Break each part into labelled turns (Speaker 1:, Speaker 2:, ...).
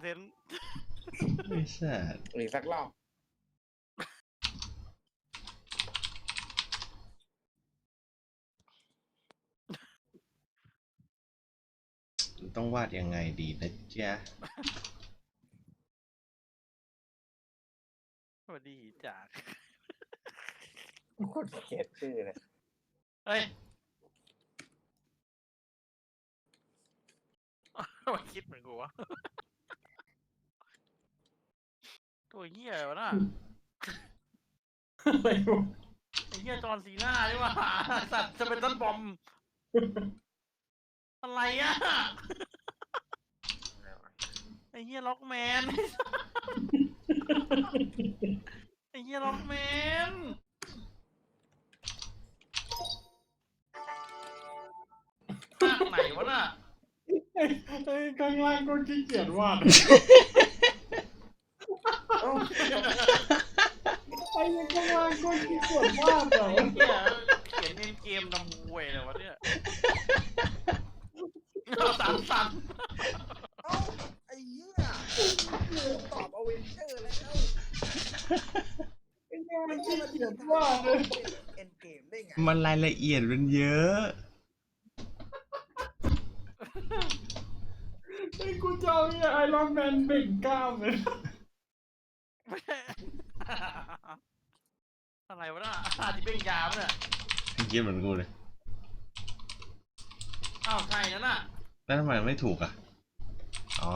Speaker 1: ซนต์
Speaker 2: ไม่ใช่
Speaker 3: อีกสักรอบ
Speaker 2: ต้องวาดยังไงดีนะจ๊ะ
Speaker 1: สวัสดีจาก
Speaker 3: คนเกลียดชื่อเลย
Speaker 1: เฮ้ยมันคิดเหมือนกูวะตัวเหี้ยวะน่ะ
Speaker 4: อะไรวะ
Speaker 1: ไอ้เหี้ยจอห์นซีน่าใช่ป่ะสัตว์จะเป็นต้นบอมอะไรอ่ะไอ้เหี้ยล็อกแมนไอ้เหี้ยล็อกแมนภาคไหนวะน่ะ
Speaker 4: ไอ้ข้างล่างก็ขี้เกียจวาดไอ้ข้างล่างก็ขี้เกียจวาดเหรอ
Speaker 1: ไอ้เหี้ยเขียนเกมดำมวยเลยวะเนี่ยสั่น
Speaker 3: ไอ้เหี้ยตอบอเวนเจอร์แล้ว
Speaker 4: ไอ้เนี่ยมันขี้เกียจวาดเลย
Speaker 3: เอ็นเกมได้ไง
Speaker 2: มันรายละเอียดมันเยอะ
Speaker 4: ไอ้กูจะเอาเนี่ยไอรอนแมนเบ่งกล้ามเลย
Speaker 1: อะไรวะน่ะที่เป็นยามเนี่ย
Speaker 2: คิดเหมือนกูเลย
Speaker 1: อ้าวใช่นั่นน่ะ
Speaker 2: แล้วทำไมไม่ถูกอ่ะอ๋อ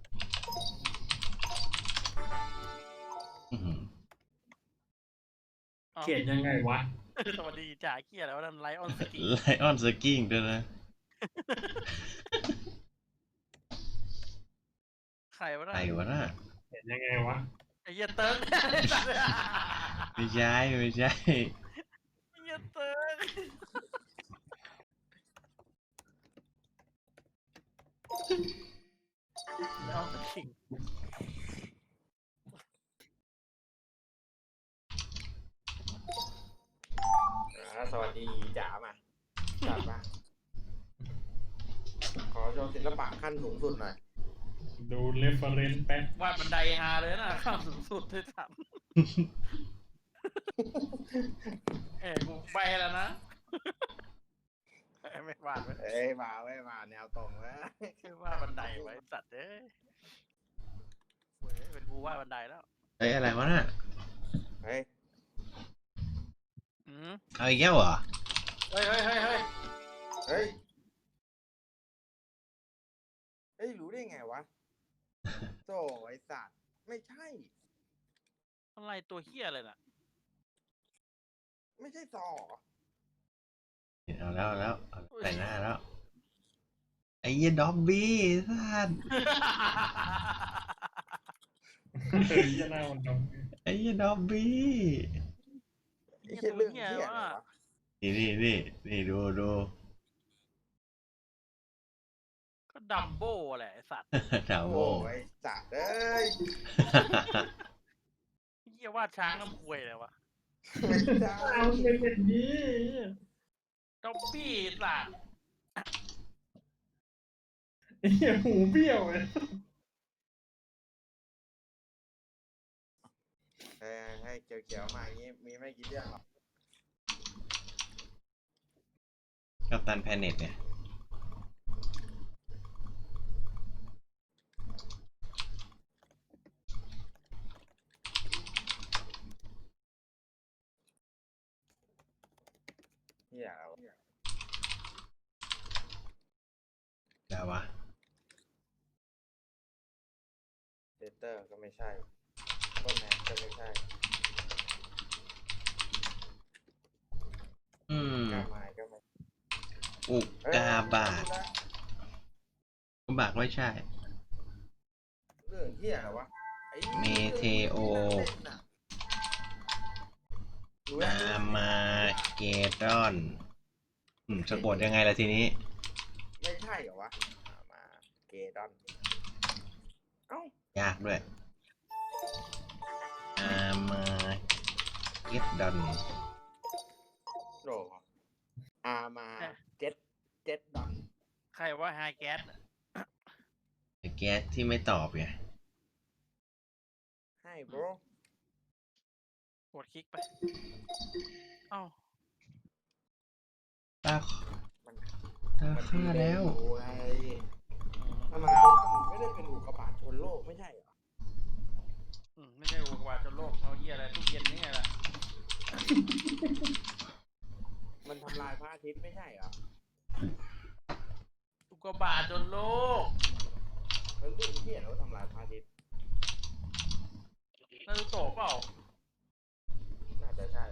Speaker 4: เขียนยังไงวะ
Speaker 1: สวัสดีจ่าเกียร์แล้วนั่นไลออนสกิ้ง
Speaker 2: ไลออนสกิ้งด้วยนะ
Speaker 1: ใครวะน่ะ
Speaker 2: ใครวะน่ะ
Speaker 4: เขียนยังไงวะ
Speaker 1: ไอ้เหี้ยเติร์ก
Speaker 2: ไม่ใช่ไม่ใช่
Speaker 1: ไอ้เหี้ยเติร์กไลออนสกิ้ง
Speaker 3: สวัสดีจ๋ามาจัดมาขอโชว์ศิลปะขั้นสูงสุดหน่อย
Speaker 4: ดูเรฟเฟอเรนซ์แป๊บ
Speaker 1: วาดบันไดฮาเลยนะข้ามสูงสุดที่สามกูไปแล้วนะไม่วาด
Speaker 3: มาแนวตรงแล้ว
Speaker 1: คือวาดบันไดไว้สัตว์เป็นกูวาดบันไดแล้ว
Speaker 2: อะไรวะน่ะเอาอีกแล้วเหรอ
Speaker 1: เฮ้ย
Speaker 3: รู้ได้ไงวะโถ่ไอ้สัตว์ไม่ใช่
Speaker 1: อะไรตัวเหี้ยอะไรน่ะ
Speaker 3: ไม่ใช่ซอ
Speaker 2: เอาแล้วแต่งหน้าแล้วไอ้ยี่ด็อบบี้ท่าน
Speaker 4: ไอ้ยี่หน้ามันดำ
Speaker 2: ไอ้ยี่ด็อบบี้
Speaker 3: ไอ้เรื่องเหี้ยอะไรวะ
Speaker 2: นี่ดู
Speaker 1: ก็ดัมโบ้แหละไอ้สัตว์
Speaker 2: ดัมโบ้
Speaker 3: ไอ้สัตว์เอ้ย
Speaker 1: เหี้ยวาดช้างน้ำควยเลยวะ
Speaker 3: ไม่ได้
Speaker 4: เอาเป็นอย่างนี้
Speaker 1: ด็อบบี้สัตว์
Speaker 4: ไอ้หูเบี้ยวเลย
Speaker 3: ให้เขียวๆมาอย่างนี้มีไม่กี่เรื่องหรอก
Speaker 2: กัปตันแพเน็ตเนี่ยจะวะ
Speaker 3: เดเตอร์ก็ไม่ใช่ต้นแมนก็ไม่ใช่กาไม้ก็ไม่
Speaker 2: อุกกาบาตบากไม่ใช่
Speaker 3: เรื่องเหี้ยอะไรวะ
Speaker 2: เมเทโออามาเกดอนสะกดยังไงล่ะทีนี้
Speaker 3: ไม่ใช่เหรอวะอามาเกดอน
Speaker 2: ยากด้วยอามาเกดอน
Speaker 3: โรอามาเจ็ดดอน
Speaker 1: ใครว่าไฮแก๊ส
Speaker 2: แก๊สที่ไม่ตอบไง
Speaker 3: bro
Speaker 1: กดคลิกไปเอ้า
Speaker 2: ตา
Speaker 3: มัน
Speaker 2: ตาฆ่าแล้ว
Speaker 3: โอ้ยทำไมไม่ได้เป็นอุกกาบาตชนโลกไม่ใช่เหรอ
Speaker 1: ไม่ใช่อุกกาบาตชนโลกเอาเหี้ยอะไรตู้เย็นนี่ไงล่ะ
Speaker 3: มันทำลายพระอาทิตย์ไม่ใช่เหรอ
Speaker 1: อุกกาบาตชนโลก
Speaker 3: มันเรื่องที่เห็นว่าทำลายพระอาทิตย์
Speaker 1: นารูโตะเปล่า
Speaker 3: น่าจะใช่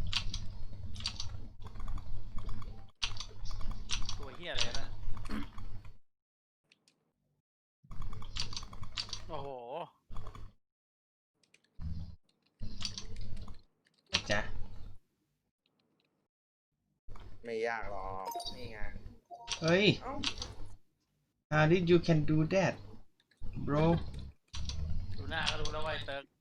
Speaker 1: ตัวเหี้ยอะไรนะโอ้โห
Speaker 2: จ๊ะ
Speaker 3: ไม่ยากหรอกนี่ไง
Speaker 2: เฮ้ย
Speaker 3: เอ้า
Speaker 2: how did you can do that bro
Speaker 1: ดูหน้าก็รู้แล้วว่าไอ้เติร์ก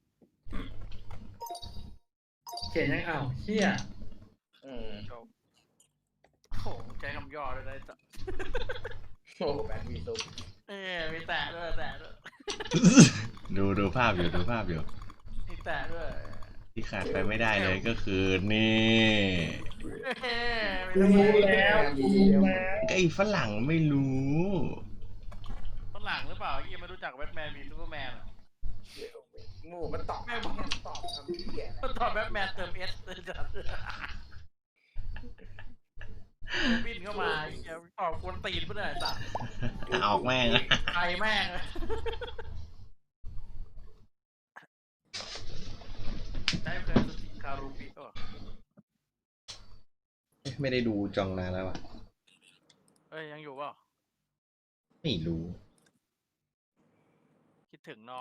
Speaker 4: เขียนยังอ้าวเฮีย
Speaker 1: จบโอ้โหใช้คำย่อด้วยนะไอ้สัส
Speaker 3: โอ้แบทมีซุป
Speaker 1: มีแตะด้วยแตะด้วย
Speaker 2: ดูภาพอยู่ดูภาพอยู่
Speaker 1: มีแตะด้วย
Speaker 2: ที่ขาดไปไม่ได้เลยก็คือนี่
Speaker 4: กูรู้แล้วกูรู้แล้ว
Speaker 2: ก็ไอ้ฝรั่งไม่รู้
Speaker 1: ฝรั่งหรือเปล่ายี่ไม่รู้จักแบทแมนมีซูเปอร์แมน
Speaker 3: หมูมันตอบตอบคำที่แย่
Speaker 1: ก็ตอบแบทแมนเติมเอสเลยจัดบินเข้ามาตอบกวนตีนเพื่อนไอ้สัส
Speaker 2: ออกแม่งอะ
Speaker 1: ไอแม่งได้เคยสติคารูปิ
Speaker 2: ไม่ได้ดูจองนานแล้วอ่ะ
Speaker 1: เอ้ยยังอยู่เปล่า
Speaker 2: ไม่รู้
Speaker 1: คิดถึงน้อง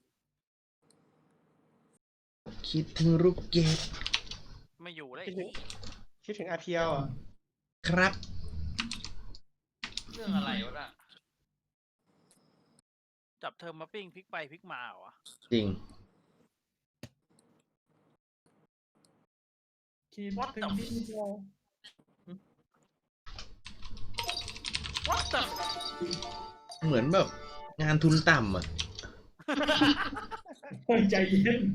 Speaker 2: คิดถึงลูกเกด
Speaker 1: ไม่อยู่แล้ว
Speaker 4: คิดถึงอาเพียวอ่ะ
Speaker 2: ครับ
Speaker 1: เรื่องอะไรวะน่ะจับเธอมาปิ้งพลิกไปพลิกมาเหรอ
Speaker 2: จริง
Speaker 4: คิดถึงพี่โจ
Speaker 1: What the
Speaker 2: เหมือนแบบงานทุนต่ำอ่ะ
Speaker 4: ใจเย็น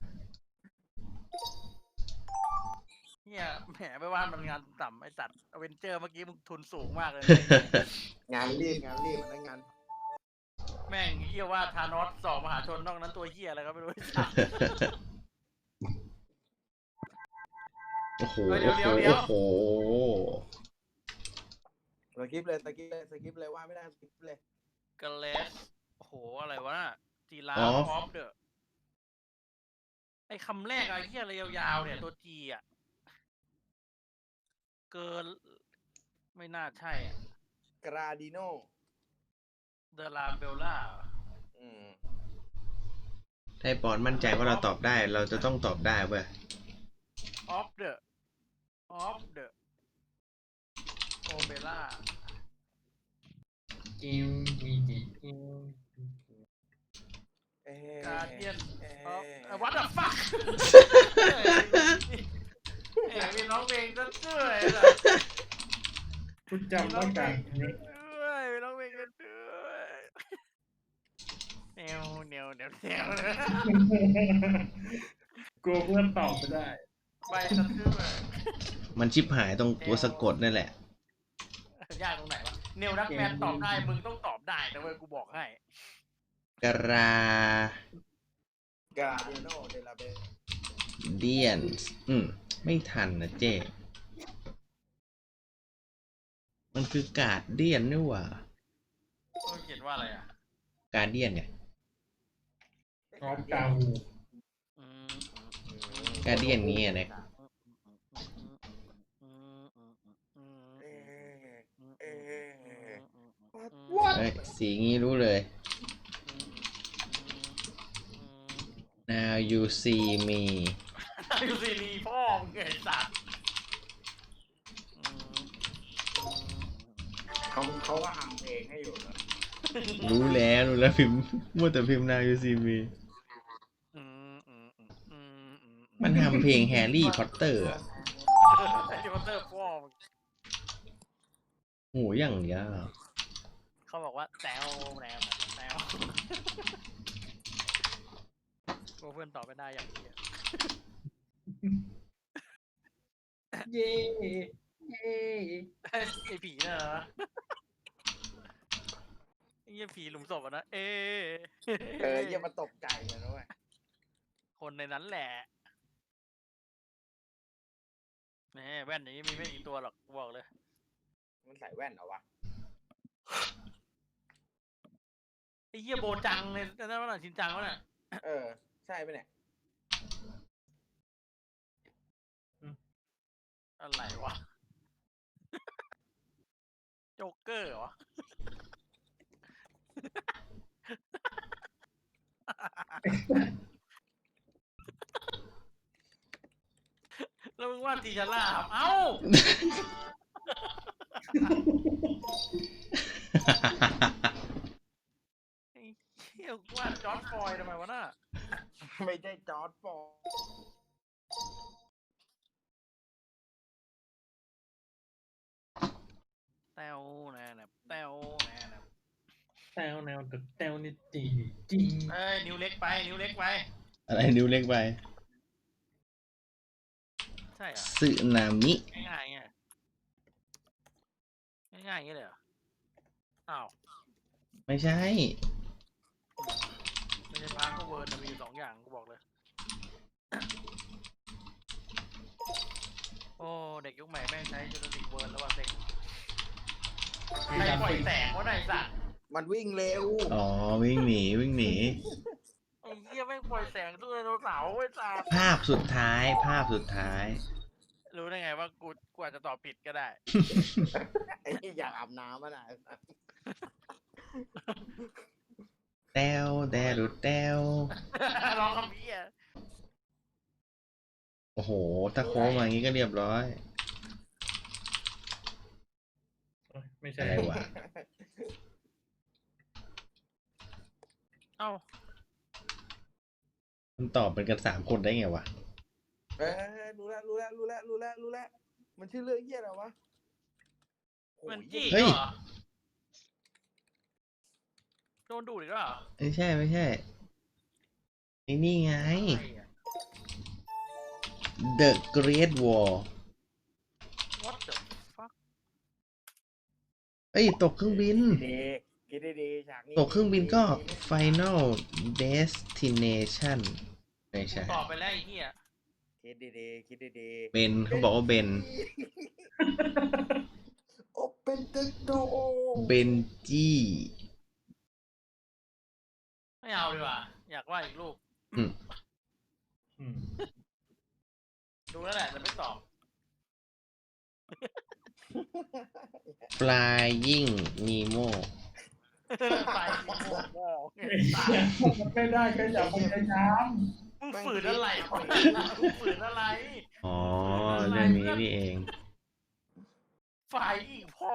Speaker 1: เนี่ยแหมไปว่ามันงานต่ำไอ้สัตว์อเวนเจอร์เมื่อกี้มึงทุนสูงมากเลย
Speaker 3: งานรีบมันงาน
Speaker 1: แม่งเฮียว่าธานอสสอบมหาชนนอกนั้นตัวเฮียอะไรก็ไม่รู้ไอ้สัตว์
Speaker 2: โอ้โห
Speaker 1: เดี๋ยว
Speaker 2: โอ้
Speaker 1: เดี๋ยว
Speaker 2: โห
Speaker 3: สกิปเลยว่าไม่ได้สกิปเลย
Speaker 1: กาเลสโอ้โหอะไรวะน่ะจีราฟ
Speaker 2: อ๋อ
Speaker 1: ออฟเดอะไอ้คำแรกอะไรเฮียอะไรยาวๆเนี่ยตัวจีอ่ะเกินไม่น่าใช่อ่ะ
Speaker 3: กราดิโน
Speaker 1: เดลาเบลล่า
Speaker 2: ถ้าปอนมั่นใจว่าเราตอบได้ เราจะต้องตอบได้เว้ย
Speaker 1: ออฟเดอะโอเบล่า
Speaker 4: กิมมีจิกิม
Speaker 1: การเดียนวัดอะฟักมีน้องเพลงก็ช่วยล่ะ
Speaker 4: กูจำต้องการนี้
Speaker 1: ด้วยมีน้องเพลงก็ด้วยแนว
Speaker 4: กูเพื่อนตอบไม่ได้
Speaker 1: ใบสะทือ
Speaker 2: มันชิบหายตรงตัวสะกดนั่นแหละ
Speaker 1: ยากตรงไหนวะเนวนักแมนตอบได้มึงต้องตอบได้นะเว้ยกูบอกให้
Speaker 2: กรา
Speaker 3: ดิโนเดลาเบ
Speaker 2: เดียนไม่ทันนะเจ้มันคือกาดเดียนนี่หว่า
Speaker 1: ต้องเขียนว่าอะไรอ่ะ
Speaker 2: การเดียนไง
Speaker 4: พร้อมกาวู
Speaker 2: การเดียนนี้นะ เฮ้ยสีงี้รู้เลย now you see me
Speaker 1: ยูซีรีพ่อมึงไอ้สัตว์
Speaker 3: เขาก็ทำเพลงให้อยู่นะ
Speaker 2: รู้แล้วพิมพ์มัวแต่พิมพ์ now you see me มันทำเพลงแฮร์รี่พอตเตอร์อะ
Speaker 1: ไอ้ที่มันเตอร์พ่อมึง
Speaker 2: โหอย่างเดียว
Speaker 1: เขาบอกว่าแซวกลัวเพื่อนตอบไม่ได้อย่างเดียว
Speaker 4: เย่เย่
Speaker 1: ไอ้ผีน่ะเหรอไอ้เหี้ยผีหลุมศพอะนะ
Speaker 3: อย่ามาตกใจกันนะเว้ย
Speaker 1: คนในนั้นแหละแหมแว่นอย่างนี้มีไม่กี่ตัวหรอกกูบอกเลย
Speaker 3: มันใส่แว่นเหรอวะ
Speaker 1: ไอ้เหี้ยโบจังเลยนั่นว่าชินจังวะน่ะ
Speaker 3: ใช่ปะเนี่ย
Speaker 1: อะไรวะ โจ๊กเกอร์เหรอ แล้วมึงว่าตีชาล่าครับเอ้าไอ้เหี้ยว่าจอร์จฟลอยด์ทำไมวะน่ะ
Speaker 3: ไม่ใช่จอร์ดฟอร์
Speaker 1: แต้วแน่นะแต้วแน่นะ
Speaker 4: แต้วแนวกับแต้วนี่จีจริง
Speaker 1: เอ้ยนิ้วเล็กไปนิ้วเล็กไป
Speaker 2: อะไรนิ้วเล็กไป
Speaker 1: ใช่เหรอ
Speaker 2: สึนามิ
Speaker 1: ง่ายๆเงี้ยง่ายๆอย่างเงี้ยเลยเหรออ้าว
Speaker 2: ไม่ใช่
Speaker 1: ไม่ใช่พาร์คก็เวิร์ดมีอยู่สองอย่างกูบอกเลย โอ้เด็กยุคใหม่แม่งใช้จูเลสิกเวิร์ดแล้วว่าเซ็งใครปล่อยแสงวะไหนสัตว์
Speaker 3: มันวิ่งเร็ว
Speaker 2: อ๋อ วิ่งหนีวิ่งหนี
Speaker 1: ไอ้เหี้ยแม่งปล่อยแสงตู้ไดโนเสาร์ไอ้สัตว์
Speaker 2: ภาพสุดท้ายภาพสุดท้าย
Speaker 1: รู้ได้ไงว่ากูอาจจะตอบผิดก็ได้
Speaker 3: ไอ้อยากอาบน้ำอ่ะนะ
Speaker 2: แต้วแดรุแต้ว
Speaker 1: ร้องคำพี่อ่ะ
Speaker 2: โอ้โห ถ้าโค้งมาอย่างนี้ก็เรียบร้อย
Speaker 4: ไม่ใช่
Speaker 2: อะไรวะ
Speaker 1: เอ้า
Speaker 2: มันตอบเป็นกัน3 คนได้ไงวะ
Speaker 3: รู้แล้วมันชื่อเรื่องเหี้ยอะไรวะโอ้ย
Speaker 1: มันจี้
Speaker 2: เฮ้ย
Speaker 1: เหรอโดนดูดอีกแล้วเหรอ
Speaker 2: ไม่ใช่ไม่ใช่ไอ้นี่ไง
Speaker 1: อะไรอะ
Speaker 2: The Great Wall
Speaker 1: What the fuck
Speaker 2: เอ้ย ตกเครื่องบิน
Speaker 3: คิดดีๆฉากนี้
Speaker 2: ตกเครื่องบินก็ Final Destination ไม่ใช่
Speaker 1: ตอบไปแล้วไอ้เหี้ย
Speaker 3: คิดดี
Speaker 2: เบนเขาบอกว่าเบน
Speaker 3: โอเป็นตึกโด
Speaker 2: เบนจี้
Speaker 1: ไม่เอาดีกว่า อยากว่าอีกลูก
Speaker 2: อืม
Speaker 1: ดูแล้วแหละแต่ไม่ตอบ
Speaker 2: Flying Nemo
Speaker 1: ไปโง่
Speaker 4: ไม่ได้ก็อย่าพยายาม
Speaker 1: มึงฝืนอะไรวะมึงฝืนอะไร
Speaker 2: อ๋อ เรื่องนี้นี่เอง
Speaker 1: ฝ่ายอีกพ่อ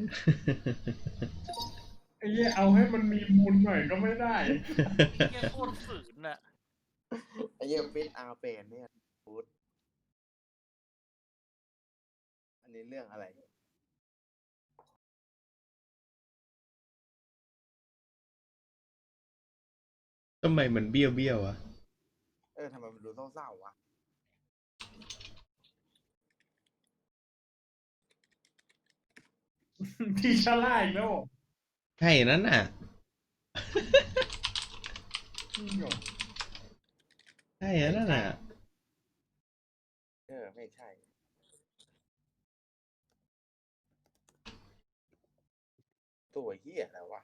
Speaker 4: ไอ้เหี้ยเอาให้มันมีมูลหน่อยก็ไม่ได้
Speaker 1: เหี้ยโคตรฝืนน่ะ
Speaker 3: ไอ้เหี้ยฟิตอาเปนเนี่ยพูดอันนี้เรื่องอะไร
Speaker 2: ทำไมมันเบี้ยวเบี้ยวอะ
Speaker 3: ทำไมมันดูเศร้าๆวะ
Speaker 4: ที่ชะล่าอีกแล้ว
Speaker 2: ใช่นั่นน่ะ ใช่นั่นน่ะ
Speaker 3: ไม่ใช่ ตัวเหี้ยอะไรวะ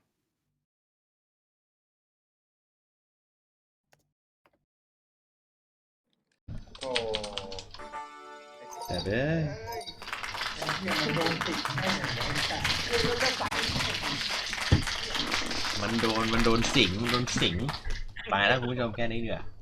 Speaker 3: โอ้
Speaker 2: แต่เด้อ
Speaker 4: เหี้ยมันโดนติดแน่เลยไอ้สัตว์
Speaker 2: มันโดนสิง ไปแล้วคุณผู้ชมแค่นี้เดือ